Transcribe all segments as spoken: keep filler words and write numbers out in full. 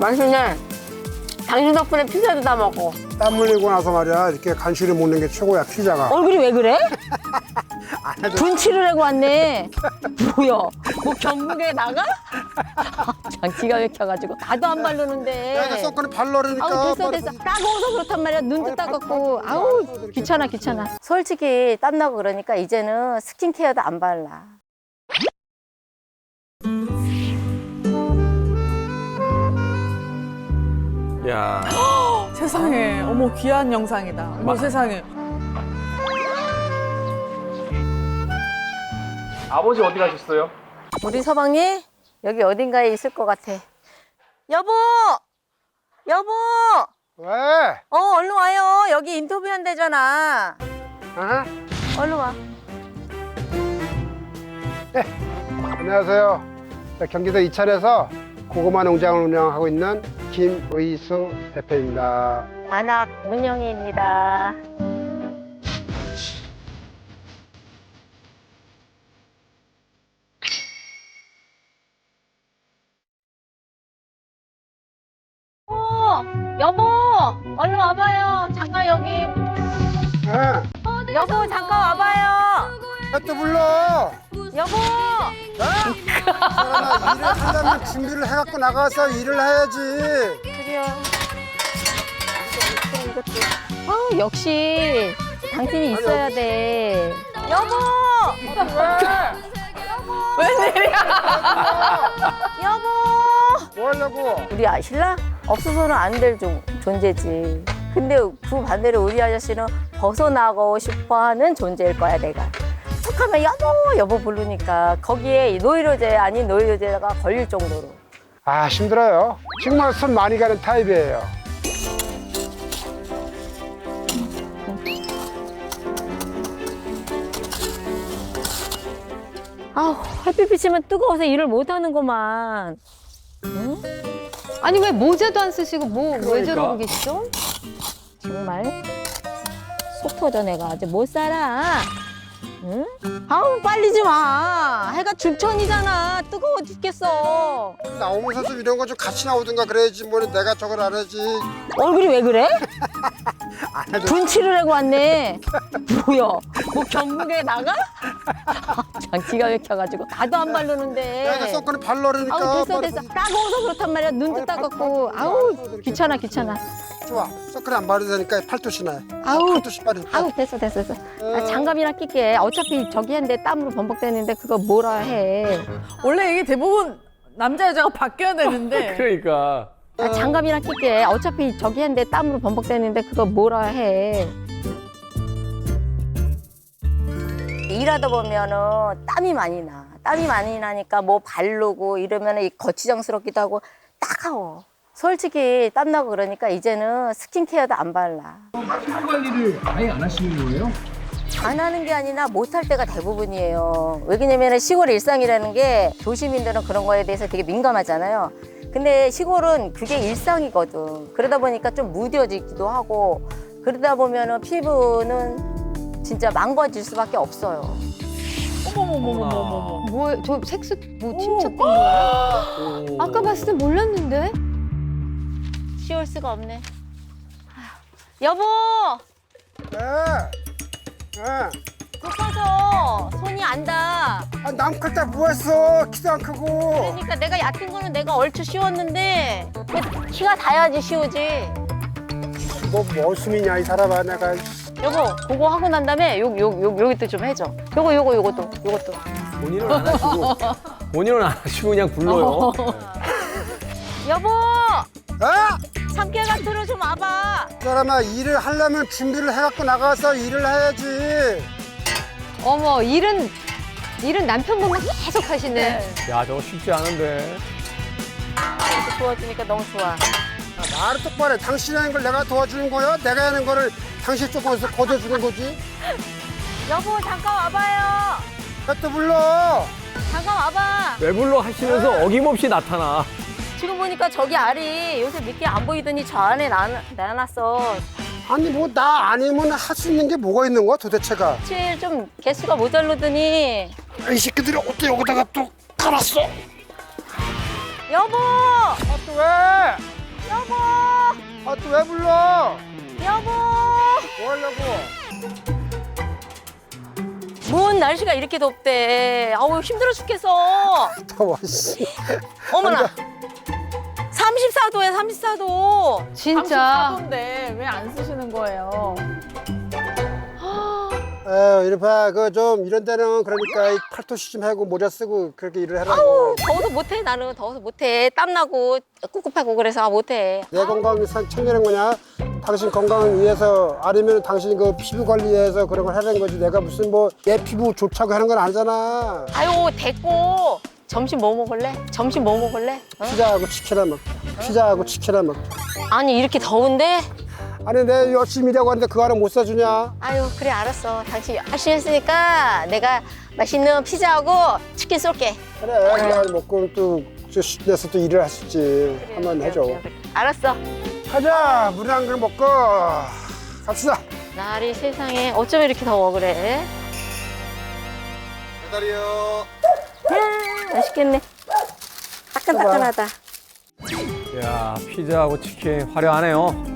맛있네. 당신 덕분에 피자도 다 먹고. 땀 흘리고 나서 말이야 이렇게 간식을 먹는 게 최고야 피자가. 얼굴이 왜 그래? 안 해도 분칠을 하고 왔네. 뭐야? 뭐 경북에 나가? 참 기가 막혀가지고 나도 안 바르는데. 내가 선크림 발라르니까. 아우 됐어 됐어. 따가워서 그렇단 말이야. 눈도 아니, 따갑고. 발- 아우 발라서 귀찮아 귀찮아. 솔직히 땀나고 그러니까 이제는 스킨케어도 안 발라. 야. 세상에, 어머 귀한 영상이다. 어머 마- 세상에. 아버지 어디 가셨어요? 우리 서방님 여기 어딘가에 있을 것 같아. 여보, 여보, 왜? 어 얼른 와요. 여기 인터뷰 한대잖아. 어? 얼른 와. 안녕하세요. 자, 경기도 이천에서 고구마 농장을 운영하고 있는 김의수 대표입니다. 안학 문영희입니다. 어, 여보, 얼른 와봐요. 잠깐 여기. 아, 여보, 잠깐 와봐요. 또 불러. 여보. 사람아, 일을 하려면 준비를 해갖고 나가서 일을 해야지. 그래요. 아, 역시 당신이 있어야 돼. 여보. 웬일이야? 여보. 뭐 하려고? 우리 아, 신랑 없어서는 안 될 존재지. 근데 그 반대로 우리 아저씨는 벗어나고 싶어하는 존재일 거야 내가. 툭하면 여보 여보 부르니까 거기에 노이로제 아닌 노이로제가 걸릴 정도로. 아, 힘들어요. 정말 손 많이 가는 타입이에요. 아우 햇빛 비치면 뜨거워서 일을 못 하는구만. 응? 아니 왜 모자도 안 쓰시고 뭐 왜 그러니까. 저러고 계시죠? 정말 속 터져 내가 아주 못 살아. 응? 아우 빨리 좀 와. 해가 중천이잖아. 뜨거워 죽겠어. 나오면서 좀 이런 거 좀 같이 나오든가 그래야지 뭐 내가 저걸 안 하지. 얼굴이 왜 그래? 안 해도 분칠을 하고 왔네. 뭐야? 뭐 경북에 나가? 참 기가 막혀가지고 나도 안 바르는데. 내가 선크림 발라르니까. 아우 됐어 빨리 됐어. 보지. 따가워서 그렇단 말이야. 눈도 아니, 따갑고. 팔- 아우 팔- 귀찮아 귀찮아. 좋아. 선크림 안 바르도 되니까 팔토시 나요. 아우 팔토시 빨리. 아우 됐어 됐어 됐어. 아, 장갑이나 낄게. 어차피 저기 했는데 땀으로 범벅되는데 그거 뭐라 해. 원래 이게 대부분 남자 여자가 바뀌어야 되는데. 그러니까. 아, 장갑이나 낄게. 어차피 저기 했는데 땀으로 범벅되는데 그거 뭐라 해. 일하다 보면은 땀이 많이 나. 땀이 많이 나니까 뭐 바르고 이러면은 거치장스럽기도 하고 따가워. 솔직히 땀나고 그러니까 이제는 스킨케어도 안 발라. 피부 관리를 아예 안 하시는 거예요? 안 하는 게 아니라 못할 때가 대부분이에요. 왜냐면 시골 일상이라는 게 도시민들은 그런 거에 대해서 되게 민감하잖아요. 근데 시골은 그게 일상이거든. 그러다 보니까 좀 무뎌지기도 하고 그러다 보면은 피부는 진짜 망가질 수밖에 없어요. 어머머머머머머. 뭐저 색소 뭐 침착된 거예요? 아까 봤을 때 몰랐는데. 쉬울 수가 없네. 아휴, 여보! 네. 네. 급해서 손이 안 닿아. 아, 남 클 때 뭐 했어? 키도 안 크고. 그러니까 내가 얕은 거는 내가 얼추 씌웠는데 그 키가 닿아야지 씌우지. 뭐 머슴이냐 이 사람아 내가. 여보, 그거 하고 난 다음에 요, 요, 요, 요것도 좀 해줘. 요거, 요거, 요것도, 요것도. 본인은 안 하시고 본인은 안 하시고 그냥 불러요. 여보! 아! 삼 개월 같으로 좀 와봐. 이 사람아 일을 하려면 준비를 해갖고 나가서 일을 해야지. 어머 일은 일은 남편분만 계속 하시네. 야 저거 쉽지 않은데. 이렇게 도와주니까 너무 좋아. 아, 말을 똑바로 해. 당신이 하는 걸 내가 도와주는 거야? 내가 하는 거를 당신 조금에서 거둬주는 거지? 여보, 잠깐 와봐요. 왜 또 불러? 잠깐 와봐. 왜 불러 하시면서 어김없이 나타나. 지금 보니까 저기 알이 요새 늦게 안 보이더니 저 안에 나, 나놨어. 아니 뭐 나 아니면 할 수 있는 게 뭐가 있는 거야 도대체가? 사실 좀 개수가 모자르더니 이 새끼들이 어떻게 여기다가 또 깔았어? 여보! 아, 또 왜? 여보! 아, 또 왜 불러? 여보! 뭐 하려고? 뭔 날씨가 이렇게 덥대. 아우, 힘들어 죽겠어. 더워, 씨. 어머나. 삼십사 도야, 삼십사 도. 진짜. 삼십사 도인데 왜 안 쓰시는 거예요? 에휴, 이리 봐. 그 좀 이런 데는 그러니까 이 팔토시 좀 하고 모자 쓰고 그렇게 일을 하라고. 더워서 못해, 나는. 더워서 못해. 땀나고 꿉꿉하고 그래서 아, 못해. 내 건강이 상- 챙기는 거냐? 당신 건강을 위해서 아니면 당신 그 피부 관리해서 그런 걸 하는 거지. 내가 무슨 뭐 내 피부 좋자고 하는 건 아니잖아. 아유, 됐고. 점심 뭐 먹을래? 점심 뭐 먹을래? 어? 피자하고 치킨이나 먹자. 피자하고 치킨이나 먹자. 아니, 이렇게 더운데? 아니 내 열심히 일하고 하는데 그거 하나 못 사주냐? 아유, 그래, 알았어. 당신 열심히 했으니까 내가 맛있는 피자하고 치킨 쏠게. 그래 그냥 먹고 또 내서 또 일을 할 수 있지. 한번 해줘. 그래, 그래. 알았어. 가자. 물 한 그릇 먹고 갑시다. 날이 세상에 어쩜 이렇게 더워 그래? 배달이요. 야, 맛있겠네. 따끈따끈하다. 야, 피자하고 치킨 화려하네요.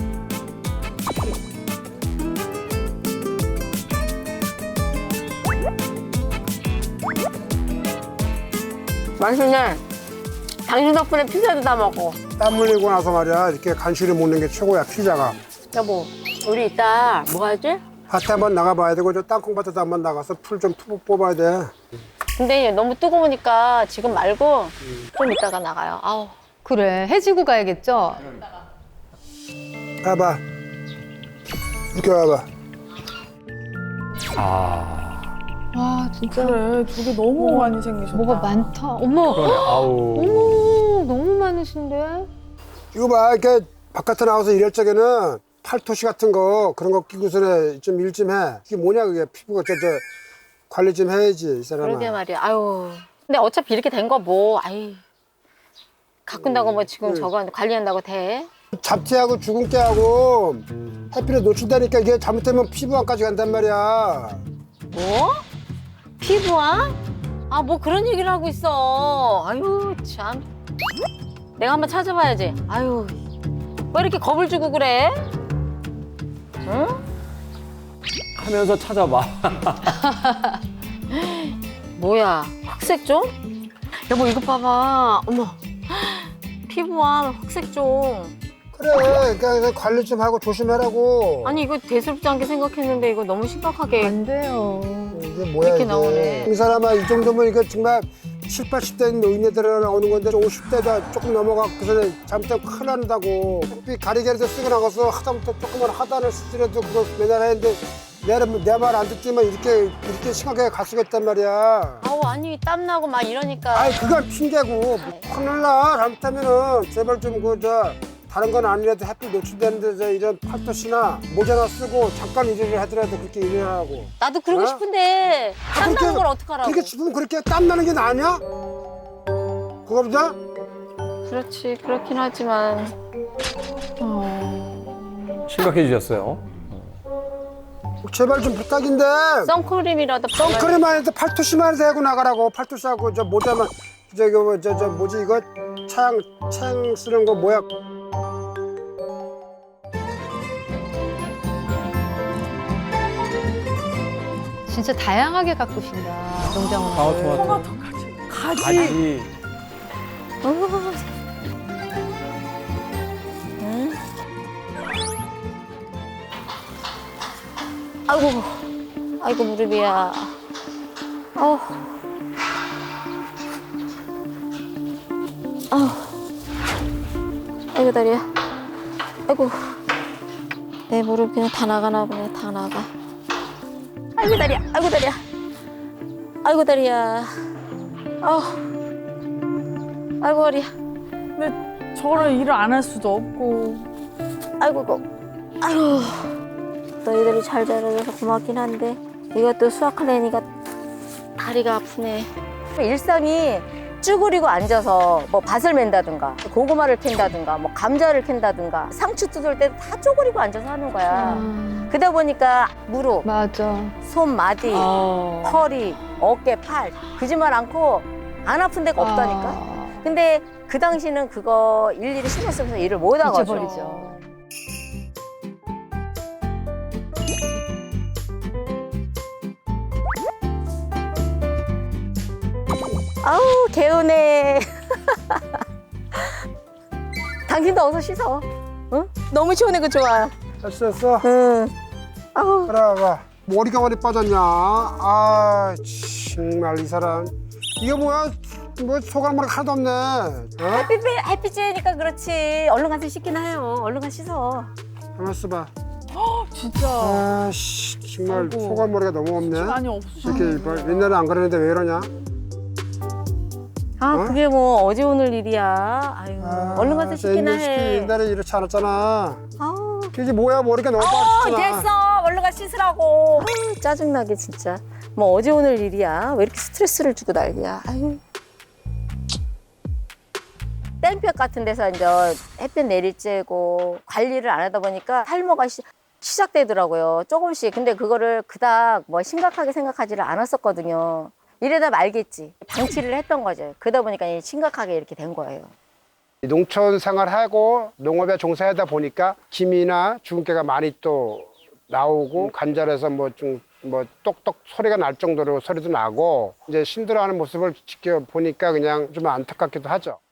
맛있네. 당신 덕분에 피자도 다 먹어. 땀 흘리고 나서 말이야 이렇게 간식을 먹는 게 최고야 피자가. 여보, 우리 이따 뭐 하지? 밭에 한번 나가봐야 되고 저 땅콩밭에도 한번 나가서 풀 좀 뽑아야 돼. 근데 너무 뜨거우니까 지금 말고 좀 이따가 나가요. 아우. 그래, 해지고 가야겠죠? 봐봐. 이렇게 와봐. 아, 와, 진짜. 그래, 저게 너무 많이 생기셨다. 뭐가 많다. 어머. 그러네. 아우. 어머, 너무 많으신데? 이거 봐 이렇게 바깥에 나와서 일할 적에는 팔토시 같은 거 그런 거 끼고서는 좀 일 좀 해. 이게 뭐냐 그게 피부가 저, 저 관리 좀 해야지 이 사람아. 그러게 말이야. 아유. 근데 어차피 이렇게 된 거 뭐, 아이. 가꾼다고 뭐 지금 음. 저거 관리한다고 돼? 잡티하고 주근깨하고 햇빛에 노출되니까 이게 잘못되면 피부암까지 간단 말이야. 뭐? 피부암? 아, 뭐 그런 얘기를 하고 있어. 아유, 참. 내가 한번 찾아봐야지. 아유. 왜 이렇게 겁을 주고 그래? 응? 하면서 찾아봐. 뭐야, 흑색종? 여보, 이거 봐봐. 어머. 피부암, 흑색종. 그래 그러니까 그냥 관리 좀 하고 조심하라고. 아니, 이거 대수롭지 않게 생각했는데 이거 너무 심각하게. 안 돼요. 이게 뭐야 이렇게 이게. 나오네. 이 사람아 이 정도면 이거 정말 칠, 팔십 대 노인네들 나오는 건데 오십 대다 조금 넘어가 그 전에 잘못하면 큰일 난다고. 햇빛 가리개를 쓰고 나가서 하다못해 조금만 하단을 쓰더라도 그거 매달 했는데 내 말 안 듣지만 이렇게 이렇게 심하게 갈 수가 있단 말이야. 아우, 아니, 땀나고 막 이러니까. 아이 그건 핑계고 큰일 나 잘못하면은 제발 좀 그 저 다른 건 아니라도 햇빛 노출되는데 저 이런 팔토시나 모자나 쓰고 잠깐 일을 하더라도 그렇게 일을 하고. 나도 그러고 어? 싶은데 땀나는 그렇게- 걸 어떡하라고. 그렇게 싶으면 그렇게 땀 나는 게 나냐? 그거보다? 그렇지, 그렇긴 하지만. 심각해지셨어요. 제발 좀 부탁인데 선크림이라도 선크림만 해도 팔토시만 해서 하고 나가라고. 팔토시하고 저 모자만 저기 뭐 저 저 뭐지 이거 차양 차양 쓰는 거 뭐야? 진짜 다양하게 가꾸신다, 농작물. 방울토마토. 가지. 가지. 응? 아이고, 아이고 무릎이야. 아우, 아우, 아이고 다리야. 아이고, 내 무릎 그냥 다 나가나 보네, 다 나가. 아이고 다리야, 아이고 다리야, 아이고 다리야. 아우, 아이고 허리야. 근데 저를 일을 안 할 수도 없고. 아이고, 고 아이고. 너희들이 잘 자라줘서 고맙긴 한데 이것도 수확하려니까 다리가 아프네. 일상이 쭈그리고 앉아서 뭐 밭을 맨다든가 고구마를 캔다든가 뭐 감자를 캔다든가 상추 뜯을 때 다 쭈그리고 앉아서 하는 거야. 아, 그러다 보니까 무릎, 맞아. 손, 마디, 어. 허리, 어깨, 팔 그지만 않고 안 아픈 데가 없다니까. 아. 근데 그 당시는 그거 일일이 신경 쓰면서 일을 못 하거든요. 잊어버리죠. 아우 개운해. 당신도 어서 씻어. 응? 너무 시원해 그 좋아. 됐어 됐어. 응. 아우. 그래 봐. 머리가 많이 빠졌냐? 아 정말 이 사람. 이거 뭐야? 뭐 소갈머리 하나도 없네. 어? 햇빛 햇빛 쬐니까 그렇지. 얼른 가서 씻기나 해요. 얼른 가서 씻어. 가만 있어봐. 진짜 아씨 정말 아이고. 소갈머리가 너무 없네. 많이 이렇게 없으셨네. 뭐 옛날에 안 그랬는데 왜 이러냐? 아 어? 그게 뭐 어제 오늘 일이야. 아유 아, 얼른 가서 저 씻기나 옛날 시키- 해. 옛날에 이렇지 않았잖아. 아우. 이게 뭐야 머리가 너무 어, 빠졌잖아. 됐어. 얼른 가 씻으라고. 아유, 짜증나게 진짜. 뭐 어제 오늘 일이야. 왜 이렇게 스트레스를 주고 난리야. 아유. 땡볕 같은 데서 이제 햇볕 내릴 쬐고 관리를 안 하다 보니까 탈모가 시, 시작되더라고요. 조금씩. 근데 그거를 그닥 뭐 심각하게 생각하지를 않았었거든요. 이래다 말겠지. 방치를 했던 거죠. 그러다 보니까 심각하게 이렇게 된 거예요. 농촌 생활하고 농업에 종사하다 보니까 김이나 주근깨가 많이 또 나오고 관절에서 뭐 좀 뭐 똑똑 소리가 날 정도로 소리도 나고 이제 힘들어하는 모습을 지켜보니까 그냥 좀 안타깝기도 하죠.